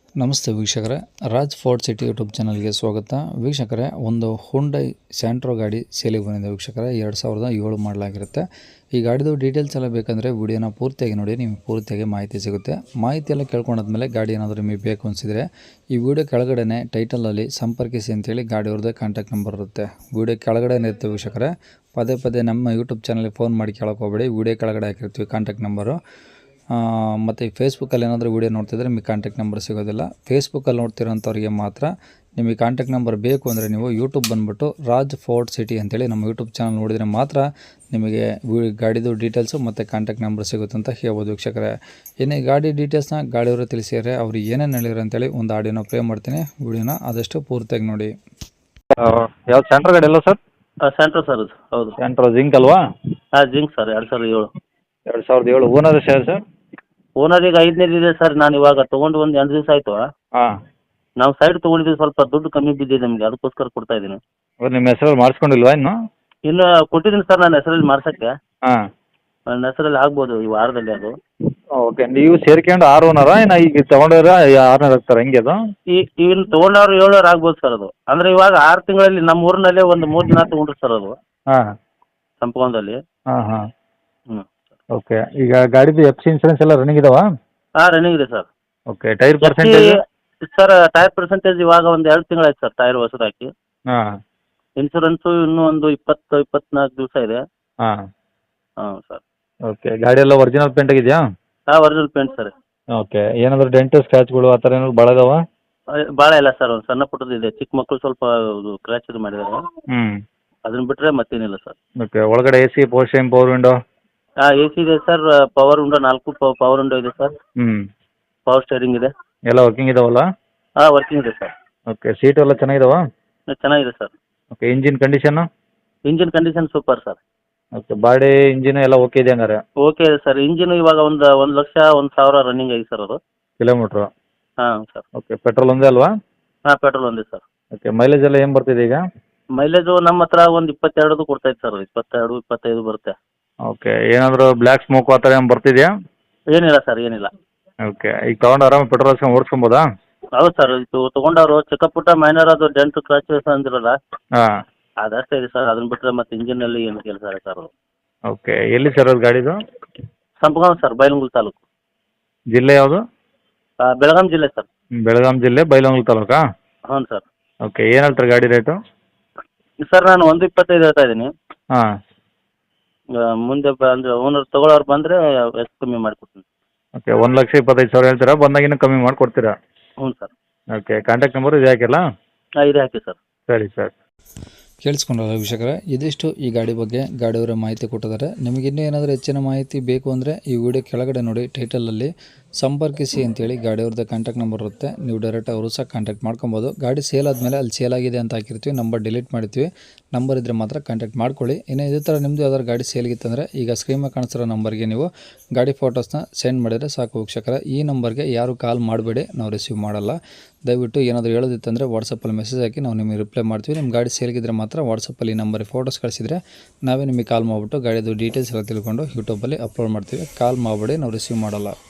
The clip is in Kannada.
ನಮಸ್ತೆ ವೀಕ್ಷಕರೇ, ರಾಜ್ ಫೋರ್ಟ್ ಸಿಟಿ ಯೂಟ್ಯೂಬ್ ಚಾನಲ್ಗೆ ಸ್ವಾಗತ. ವೀಕ್ಷಕರೇ, ಒಂದು ಹುಂಡೈ ಸ್ಯಾಂಟ್ರೋ ಗಾಡಿ ಸೇಲಿಗೆ ಬಂದಿದೆ ವೀಕ್ಷಕರೇ. 2007 ಮಾಡಲಾಗಿರುತ್ತೆ. ಈ ಗಾಡಿದು ಡೀಟೇಲ್ಸ್ ಎಲ್ಲ ಬೇಕಂದರೆ ವಿಡಿಯೋನ ಪೂರ್ತಿಯಾಗಿ ನೋಡಿ, ನಿಮಗೆ ಪೂರ್ತಿಯಾಗಿ ಮಾಹಿತಿ ಸಿಗುತ್ತೆ. ಮಾಹಿತಿ ಎಲ್ಲ ಕೇಳ್ಕೊಂಡಾದ್ಮೇಲೆ ಗಾಡಿ ಏನಾದರೂ ನಿಮಗೆ ಬೇಕು ಅನಿಸಿದರೆ ಈ ವಿಡಿಯೋ ಕೆಳಗಡೆ ಟೈಟಲಲ್ಲಿ ಸಂಪರ್ಕಿಸಿ ಅಂತೇಳಿ ಗಾಡಿಯವ್ರದ್ದೇ ಕಾಂಟ್ಯಾಕ್ಟ್ ನಂಬರ್ ಇರುತ್ತೆ. ವಿಡಿಯೋ ಕೆಳಗಡೆ ಇರುತ್ತೆ ವೀಕ್ಷಕರೇ. ಪದೇ ನಮ್ಮ ಯೂಟ್ಯೂಬ್ ಚಾನಲ್ಗೆ ಫೋನ್ ಮಾಡಿ ಕೇಳೋಕೆ ಹೋಗಬೇಡಿ. ವಿಡಿಯೋ ಕೆಳಗಡೆ ಹಾಕಿರ್ತೀವಿ ಕಾಂಟ್ಯಾಕ್ಟ್ ನಂಬರು. ಮತ್ತು ಫೇಸ್ಬುಕ್ಕಲ್ಲಿ ಏನಾದರೂ ವೀಡಿಯೋ ನೋಡ್ತಿದ್ರೆ ನಿಮಗೆ ಕಾಂಟ್ಯಾಕ್ಟ್ ನಂಬರ್ ಸಿಗೋದಿಲ್ಲ. ಫೇಸ್ಬುಕ್ಕಲ್ಲಿ ನೋಡ್ತಿರೋಂಥವ್ರಿಗೆ ಮಾತ್ರ ನಿಮಗೆ ಕಾಂಟ್ಯಾಕ್ಟ್ ನಂಬರ್ ಬೇಕು ಅಂದರೆ ನೀವು ಯೂಟ್ಯೂಬ್ ಬಂದುಬಿಟ್ಟು ರಾಜ್ ಫೋರ್ಟ್ ಸಿಟಿ ಅಂತೇಳಿ ನಮ್ಮ ಯೂಟ್ಯೂಬ್ ಚಾನಲ್ ನೋಡಿದರೆ ಮಾತ್ರ ನಿಮಗೆ ಗಾಡಿದು ಡೀಟೇಲ್ಸು ಮತ್ತು ಕಾಂಟ್ಯಾಕ್ಟ್ ನಂಬರ್ ಸಿಗುತ್ತೆ ಅಂತ ಹೇಳ್ಬೋದು ವೀಕ್ಷಕರೇ. ಏನೇ ಗಾಡಿ ಡೀಟೇಲ್ಸ್ನ ಗಾಡಿಯವರು ತಿಳಿಸಿದರೆ ಅವ್ರು ಏನೇನು ಹೇಳಿದ್ರು ಅಂತೇಳಿ ಒಂದು ಆಡಿಯೋನ ಪ್ಲೇ ಮಾಡ್ತೀನಿ. ವಿಡಿಯೋನ ಆದಷ್ಟು ಪೂರ್ತಿಯಾಗಿ ನೋಡಿ. ಯಾವ್ದು ಸೆಂಟ್ರ್ ಗಾಡಿ ಅಲ್ಲ ಸರ್? ಸೆಂಟ್ರೋ ಸರ್, ಹೌದು. ಸೆಂಟ್ರೋ ಜಿಂಕ್ ಅಲ್ವಾ? ಹಾಂ, Zing sir, 2007. 2007 owner share sir? Owner ಈಗ 5ನೇದು ಇದೆ ಸರ್. ನಾನು ಇವಾಗ ತೊಗೊಂಡು ಒಂದು 2 ದಿವಸ ಆಯಿತು. ಹಾಂ. ನಾವು ಸೈಡ್ ತೊಗೊಂಡಿದ್ದೀವಿ, ಸ್ವಲ್ಪ ದುಡ್ಡು ಕಮ್ಮಿ ಬಿದ್ದಿದೆ ನಮಗೆ, ಅದಕ್ಕೋಸ್ಕರ ಕೊಡ್ತಾ ಇದ್ದೀನಿ. ನಿಮ್ಮ ಹೆಸರಲ್ಲಿ ಮಾಡಿಸ್ಕೊಂಡಿಲ್ವಾ ಇನ್ನು? ಇನ್ನು ಕೊಟ್ಟಿದ್ದೀನಿ ಸರ್, ನನ್ನ ಹೆಸರಲ್ಲಿ ಮಾಡ್ಸೋಕ್ಕೆ. ಹಾಂ. ನನ್ನ ಹೆಸರಲ್ಲಿ ಆಗ್ಬೋದು ಈ ವಾರದಲ್ಲಿ ಅದು. ಓಕೆ, ನೀವು ಸೇರ್ಕೊಂಡು 6 ಓನರಾ ಏನು ಈಗ ತೊಗೊಂಡವ್ರ 6ನೇ ಆಗ್ತಾರೆ ಹೆಂಗೆ ಅದು? ಇನ್ನು ತೊಗೊಂಡವ್ರು 7 ಆಗ್ಬೋದು ಸರ್ ಅದು. ಅಂದರೆ ಇವಾಗ 6 ತಿಂಗಳಲ್ಲಿ ನಮ್ಮ ಊರಿನಲ್ಲೇ ಒಂದು 3 ದಿನ ತೊಗೊಂಡ್ರು ಸರ್ ಅದು, ಹಾಂ, ಸಂಪೂರ್ಣದಲ್ಲಿ. ಹಾಂ. ಹ್ಞೂ. ಓಕೆ, ಈಗ ಗಾಡಿದು ಎಫ್ ಸಿ ಇನ್ಸೂರೆನ್ಸ್ ಎಲ್ಲ ರನ್ನಿಂಗ್ ಇದಾವಾ? ಹಾಂ, ರನ್ನಿಂಗ್ ಇದೆ sir. Okay, tyre percentage? Sir, tyre percentage ಇವಾಗ ಒಂದು 2 ತಿಂಗಳಾಯ್ತು ಸರ್ ಟೈರ್ ಹೊಸದು ಹಾಕಿ. ಹಾಂ. ಇನ್ಸೂರೆನ್ಸು ಇನ್ನೂ ಒಂದು 20-24 ದಿವಸ ಇದೆ. ಹಾಂ. ಹಾಂ ಸರ್. ಓಕೆ, ಗಾಡಿ ಎಲ್ಲ ಒರಿಜಿನಲ್ ಪೇಂಟ್ ಆಗಿದೆಯಾ? ಹಾಂ, ಒರಿಜಿನಲ್ ಪೇಂಟ್ ಸರ್. ಓಕೆ, ಏನಾದರೂ ಡೆಂಟು ಸ್ಕ್ರ್ಯಾಚ್ಗಳು ಆ ಥರ ಏನಾದ್ರು ಭಾಳ ಇದಾವ? ಭಾಳ ಇಲ್ಲ ಸರ್, ಒಂದು ಸಣ್ಣ ಪುಟ್ಟದ್ದು ಇದೆ. ಚಿಕ್ಕ ಮಕ್ಕಳು ಸ್ವಲ್ಪ ಕ್ರ್ಯಾಚ್ ಇದು ಮಾಡಿದ್ದಾರೆ. ಹ್ಞೂ. ಅದನ್ನ ಬಿಟ್ಟರೆ ಮತ್ತೇನಿಲ್ಲ ಸರ್. ಓಕೆ, ಒಳಗಡೆ A C, power steering, power window? ಹಾಂ, ಎ ಸಿ ಇದೆ sir. Power window 4 power window ಇದೆ ಸರ್. ಹ್ಞೂ. ಪವರ್ ಸ್ಟೇರಿಂಗ್ ಇದೆ. ಎಲ್ಲ ವರ್ಕಿಂಗ್ ಇದಾವಲ್ಲ? ಹಾಂ, ವರ್ಕಿಂಗ್ ಇದೆ ಸರ್. ಓಕೆ, ಸೀಟು ಎಲ್ಲ ಚೆನ್ನಾಗಿದಾವ? ಚೆನ್ನಾಗಿದೆ sir. Okay, engine condition? Engine condition super sir. Okay, body engine ಎಲ್ಲ ಓಕೆ ಇದೆ ಹಂಗಾರೆ? ಓಕೆ ಇದೆ ಸರ್. ಇಂಜಿನ್ ಇವಾಗ ಒಂದು 1,01,000 ರನ್ನಿಂಗ್ ಆಗಿದೆ ಸರ್ ಅದು. ಕಿಲೋಮೀಟ್ರು? ಹಾಂ ಸರ್. ಓಕೆ, ಪೆಟ್ರೋಲ್ ಒಂದೇ ಅಲ್ವಾ? ಹಾಂ, ಪೆಟ್ರೋಲ್ ಒಂದೇ ಸರ್. ಓಕೆ, ಮೈಲೇಜ್ ಎಲ್ಲ ಏನು ಬರ್ತಿದೆ ಈಗ? ಮೈಲೇಜು ನಮ್ಮ ಹತ್ರ ಒಂದು 22 ಕೊಡ್ತೈತೆ ಸರ್. 22-25 ಬರುತ್ತೆ. ಓಕೆ, ಏನಾದರೂ ಬ್ಲ್ಯಾಕ್ ಸ್ಮೋಕ್ ಆ ಥರ ಏನು ಬರ್ತಿದೆಯಾ? ಏನಿಲ್ಲ ಸರ್, ಏನಿಲ್ಲ. ಓಕೆ, ಈಗ ತೊಗೊಂಡು ಆರಾಮ ಪೆಟ್ರೋಲ್ ಹಾಕ್ಸ್ಕೊಂಡು ಓಡಿಸ್ಕೊಬೋದಾ? ಹೌದು ಸರ್. ಇದು ತೊಗೊಂಡವರು ಚಿಕ್ಕ ಪುಟ್ಟ ಮೈನರ್ ಅದು ಡೆಂಟ್ ಕ್ರಾಚಸ್ ಅಂದಿರಲ್ಲ, ಹಾಂ, ಅದಷ್ಟೇ ಇದೆ ಸರ್. ಅದನ್ನ ಬಿಟ್ಟರೆ ಮತ್ತೆ ಇಂಜಿನಲ್ಲಿ ಏನು ಕೆಲಸ ಇಲ್ಲ ಸರ್ ಅದು. ಓಕೆ, ಎಲ್ಲಿ ಸರ್ ಅದು ಗಾಡಿದು? ಸಂಪಗಾಂವ್ ಸರ್, ಬೈಲಹೊಂಗಲ ತಾಲೂಕು. ಜಿಲ್ಲೆ ಯಾವುದು? ಬೆಳಗಾಂ ಜಿಲ್ಲೆ ಸರ್. ಬೆಳಗಾಂ ಜಿಲ್ಲೆ, ಬೈಲಹೊಂಗಲ ತಾಲೂಕಾ? ಹ್ಞೂ ಸರ್. ಓಕೆ, ಏನು ಹೇಳ್ತಾರೆ ಗಾಡಿ ರೇಟು? ಸರ್, ನಾನು 1.25 ಹೇಳ್ತಾ ಇದ್ದೀನಿ. ಹಾಂ. ಮುಂದೆ ಅಂದರೆ ಓನರ್ ತೊಗೊಳೋರು ಬಂದರೆ ಎಷ್ಟು ಕಮ್ಮಿ ಮಾಡಿಕೊಡ್ತೀನಿ. ಓಕೆ, 1,25,000 ಹೇಳ್ತೀರಾ? ಬಂದಾಗ ಇನ್ನೂ ಕಮ್ಮಿ ಮಾಡಿಕೊಡ್ತೀರಾ? ಹ್ಞೂ ಸರ್. ಓಕೆ, ಕಾಂಟ್ಯಾಕ್ಟ್ ನಂಬರು ಇದೆ ಹಾಕಿಲ್ಲ? ಹಾಂ, ಇದೆ ಹಾಕಿ ಸರ್. ಸರಿ ಸರ್. ಕೇಳಿಸ್ಕೊಂಡಲ್ಲ ವೀಕ್ಷಕರೇ, ಇದಿಷ್ಟು ಈ ಗಾಡಿ ಬಗ್ಗೆ ಗಾಡಿಯವರ ಮಾಹಿತಿ ಕೊಟ್ಟಿದ್ದಾರೆ. ನಿಮಗೆ ಇನ್ನೂ ಏನಾದರೂ ಹೆಚ್ಚಿನ ಮಾಹಿತಿ ಬೇಕು ಅಂದರೆ ಈ ವಿಡಿಯೋ ಕೆಳಗಡೆ ನೋಡಿ, ಟೈಟಲಲ್ಲಿ ಸಂಪರ್ಕಿಸಿ ಅಂತೇಳಿ ಗಾಡಿಯವ್ರದ್ದು ಕಾಂಟ್ಯಾಕ್ಟ್ ನಂಬರ್ ಇರುತ್ತೆ. ನೀವು ಡೈರೆಕ್ಟ್ ಅವರು ಸಹ ಕಾಂಟ್ಯಾಕ್ಟ್ ಮಾಡ್ಕೊಬೋದು. ಗಾಡಿ ಸೇಲ್ ಆದಮೇಲೆ ಅಲ್ಲಿ ಸೇಲ್ ಆಗಿದೆ ಅಂತ ಹಾಕಿರ್ತೀವಿ, ನಂಬರ್ ಡಿಲೀಟ್ ಮಾಡ್ತೀವಿ. ನಂಬರ್ ಇದ್ದರೆ ಮಾತ್ರ ಕಾಂಟ್ಯಾಕ್ಟ್ ಮಾಡ್ಕೊಳ್ಳಿ. ಇನ್ನು ಇದೇ ಥರ ನಿಮ್ಮದು ಯಾವ್ದಾದ್ರು ಗಾಡಿ ಸೇಲ್ಗಿತ್ತಂದರೆ ಈಗ ಸ್ಕ್ರೀನ್ ಮೇಲೆ ಕಾಣಿಸ್ತಿರೋ ನಂಬರ್ಗೆ ನೀವು ಗಾಡಿ ಫೋಟೋಸ್ನ ಸೆಂಡ್ ಮಾಡಿದರೆ ಸಾಕು ವೀಕ್ಷಕರೇ. ಈ ನಂಬರ್ಗೆ ಯಾರು ಕಾಲ್ ಮಾಡಬೇಡಿ, ನಾವು ರಿಸೀವ್ ಮಾಡಲ್ಲ. ದಯವಿಟ್ಟು ಏನಾದರೂ ಹೇಳೋದಿತ್ತಂದರೆ ವಾಟ್ಸಪ್ಪಲ್ಲಿ ಮೆಸೇಜ್ ಹಾಕಿ ನಾವು ನಿಮಗೆ ರಿಪ್ಲೈ ಮಾಡ್ತೀವಿ. ನಿಮ್ಮ ಗಾಡಿ ಸೇಲ್ಗಿದ್ರೆ ಮಾತ್ರ ವಾಟ್ಸಪ್ಪಲ್ಲಿ ಈ ನಂಬರಿಗೆ ಫೋಟೋಸ್ ಕಳಿಸಿದರೆ ನಾವೇ ನಿಮಗೆ ಕಾಲ್ ಮಾಡಿಬಿಟ್ಟು ಗಾಡಿದು ಡೀಟೇಲ್ಸ್ ಎಲ್ಲ ತಿಳ್ಕೊಂಡು ಯೂಟ್ಯೂಬಲ್ಲಿ ಅಪ್ಲೋಡ್ ಮಾಡ್ತೀವಿ. ಕಾಲ್ ಮಾಡಬೇಡಿ, ನಾವು ರಿಸೀವ್ ಮಾಡಲ್ಲ.